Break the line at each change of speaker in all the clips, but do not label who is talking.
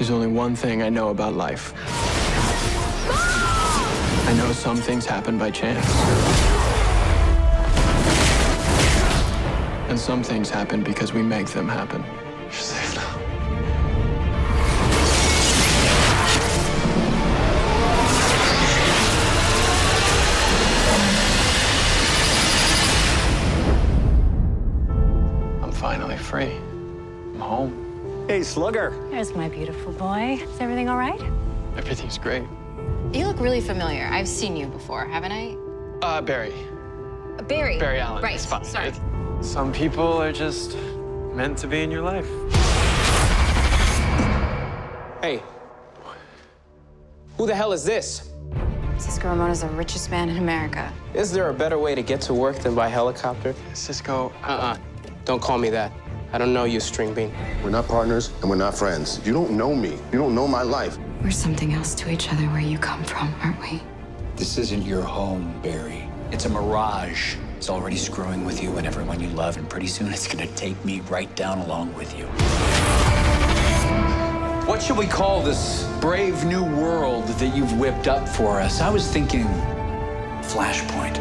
There's only one thing I know about life. I know some things happen by chance. And some things happen because we make them happen. You're safe now. I'm finally free. I'm home.
Hey, Slugger.
There's my beautiful boy. Is everything all right?
Everything's great.
You look really familiar. I've seen you before, haven't I?
Barry.
Barry.
Barry Allen.
Right,
It's fine.
sorry.
Some people are just meant to be in your life.
Hey. Who the hell is this?
Cisco Ramona's the richest man in America.
Is there a better way to get to work than by helicopter?
Cisco.
Don't call me that. I don't know you, String Bean.
We're not partners and we're not friends. You don't know me. You don't know my life.
We're something else to each other where you come from, aren't we?
This isn't your home, Barry. It's a mirage. It's already screwing with you and everyone you love, and pretty soon it's gonna take me right down along with you. What should we call this brave new world that you've whipped up for us? I was thinking Flashpoint.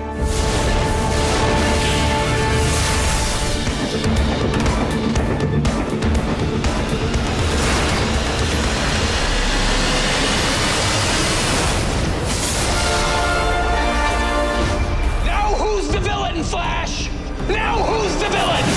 Now who's the villain, Flash? Now who's the villain?